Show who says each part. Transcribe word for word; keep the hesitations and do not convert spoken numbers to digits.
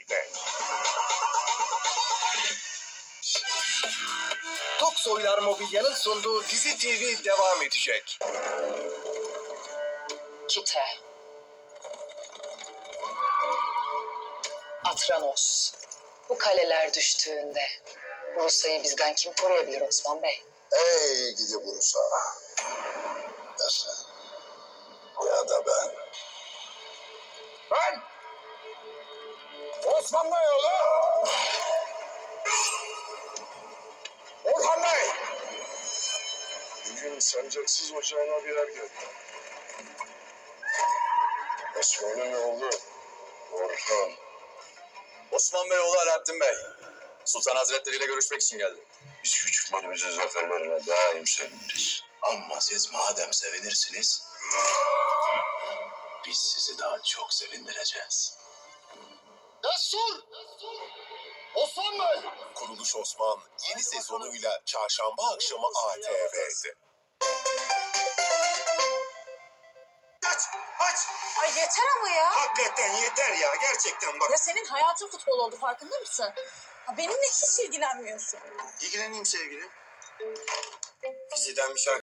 Speaker 1: birlikte.
Speaker 2: Toksoylar Mobilya'nın sunduğu Dizi T V devam edecek.
Speaker 3: Kite. Atranos. Bu kaleler düştüğünde Bursa'yı bizden kim koruyabilir Osman Bey?
Speaker 4: Ey gidi Bursa. Ya sen ya da ben.
Speaker 1: Ben Osman Beyoğlu. Orhan Bey.
Speaker 4: Bugün sancaksız ocağına bir er geldi. Osman'ın oğlu Orhan.
Speaker 5: Osman Beyoğlu Alaaddin Bey. Sultan Hazretleri ile görüşmek için geldim.
Speaker 4: Biz küçüklerimizin zaferlerine daim seviniriz.
Speaker 5: Ama siz madem sevinirsiniz, biz sizi daha çok sevindireceğiz.
Speaker 1: Destur. Osman Bey.
Speaker 4: Kuruluş Osman yeni sezonuyla çarşamba akşamı A T V'de.
Speaker 1: Aç, aç.
Speaker 6: Ay yeter ama ya.
Speaker 1: Hakikaten yeter ya, gerçekten bak.
Speaker 6: Ya senin hayatın futbol oldu, farkında mısın? Ha, benimle hiç ilgilenmiyorsun.
Speaker 1: İlgileneyim sevgilim. Fizi'den bir şarkı